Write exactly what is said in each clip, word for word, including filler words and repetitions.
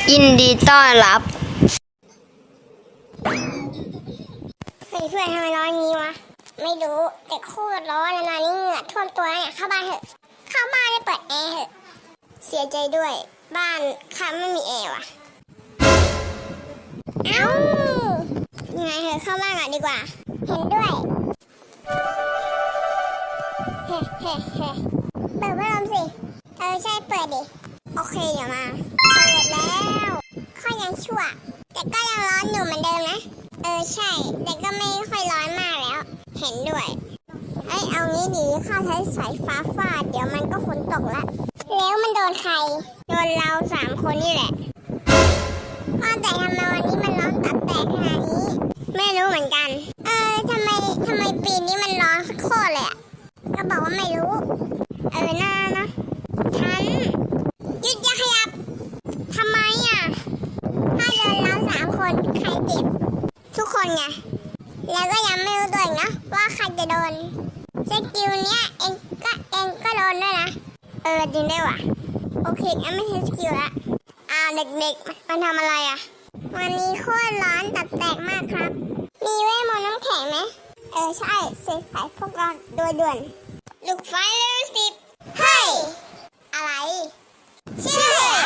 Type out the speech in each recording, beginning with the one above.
ยินดีต้อนรับเฮ้ยเพื่อนทำไมร้อนงี้วะไม่รู้แต่โคตรร้อนนานนี้เหงื่อท่วมตัวเนี่ยเข้าบ้านเถอะเข้าบ้านได้เปิดแอร์เถอะเสียใจด้วยบ้านข้าไม่มีแอร์ว่ะเอ้ายังไงเถอะเข้าบ้านก่อนดีกว่าเห็นด้วยเฮ้เฮ้เฮ้เปิดพัดลมสิเออใช่เปิดดิโอเคเดี๋ยวมาเปิดแล้วข้อยังชั่วแต่ก็ยังร้อนอยู่เหมือนเดิมนะเออใช่แต่ก็ไม่ค่อยร้อนมากแล้วเห็นด้วยเอ้ยเอางี้ดีข้าใช้สายฟ้าฟาดเดี๋ยวมันก็ฝนตกละแล้วมันโดนใครโดนเราสามคนนี่แหละว่าแต่ทำไมวันนี้มันร้อนตับแตกขนาดนี้ไม่รู้เหมือนกันเออทำไมทำไมปีนี้มันร้อนโคตรเลยอ่ะก็บอกว่าไม่รู้เออน่านะฉันหยุดอย่าขยับทำไมอ่ะถ้าโดนเราสามคนใครเจ็บทุกคนไงแล้วก็ยังไม่รู้ตัวอีกนะว่าใครจะโดนสกิลเนี้ยเองก็เองก็โดนด้วยนะเออจริงได้ว่ะโอเคงั้นไม่ใช่สกิลละอ้าวเด็กๆมันทำอะไรอ่ะวันนี้โคตรร้อนตับแตกมากครับมีเวทมนต์น้ำแข็งไหมเออใช่เสกไฟพวกเราโดยด่วนลูกไฟเลเวลสิบเฮ้ยอะไรเชื่อเหรอ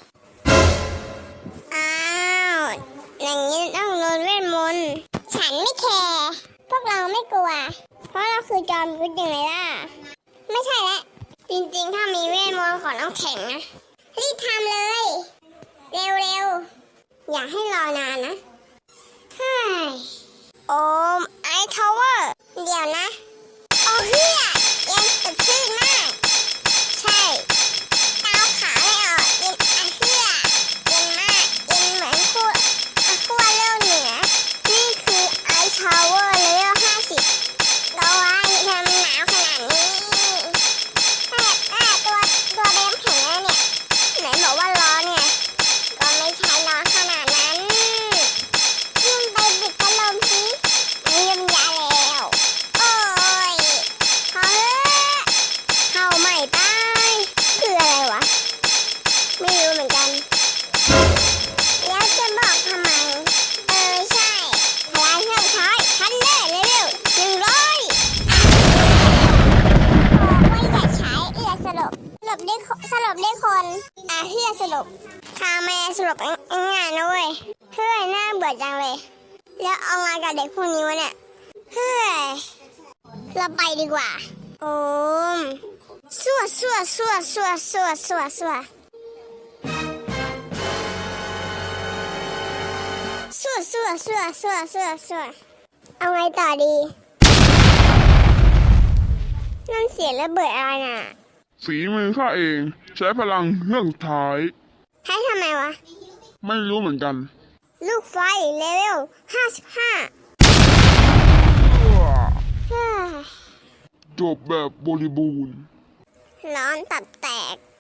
อ้าวอย่างนี้ต้องโดนเวทมนต์ฉันไม่แคร์พวกเราไม่กลัวเพราะเราคือจอมยุทธยังไงล่ะไม่ใช่แล้วจริงๆถ้ามีเวทมนต์ของน้ำแข็งนะรีบทำเลยเร็วๆอย่าให้รอนานนะเฮ้ยโอมไอทาวเวอร์เดี๋ยวนะโอ้เฮียเย็นสดชื่นมากใช่เตาขาไม่ออกเย็นอะเฮียเย็นมากเย็นเหมือนขั้วขั้วโลกเหนือนี่คือไอทาวเวอร์เลเวลห้าสิบตัวว่าทำหนาวขนาดนี้แต่แต่ตัวตัวเบมแข็งแล้วเนี่ยไหนบอกว่าร้อนไงก็ไม่ใช่ร้อนขนาดนั้นยิ่งไปบิดพัดลมสิอันนี้มันยาแล้วโอ้ยพอเถอะเข้าใหม่ไปคืออะไรวะไม่รู้เหมือนกันแล้วจะบอกทำไมเออใช่พลังเครื่องใช้ทันเลยเร็วๆหนึ่งร้อยบอกว่าอย่าใช้เอือสลบสลบได้สลบได้คนอ่ะเฮือสลบข้าไม่สลบง่ายๆนะเว้ยเฮ้ยน่าเบื่อจังเลยแล้วเอาไงกับเด็กพวกนี้วะเนี่ยเฮ้ยเราไปดีกว่าโอมสั่วสั่วสั่วสั่วสั่วสั่วสั่วสั่วสั่วสั่วสั่วสั่วสั่วเอาไงต่อดีนั่นเสียงระเบิดอะไรน่ะฝีมือข้าเองใช้พลังเครื่องสุดท้ายให้ทำไมวะไม่รู้เหมือนกันลูกไฟเลเวลห้าสิบห้าจบแบบบริบูรณ์ร้อนตับแตก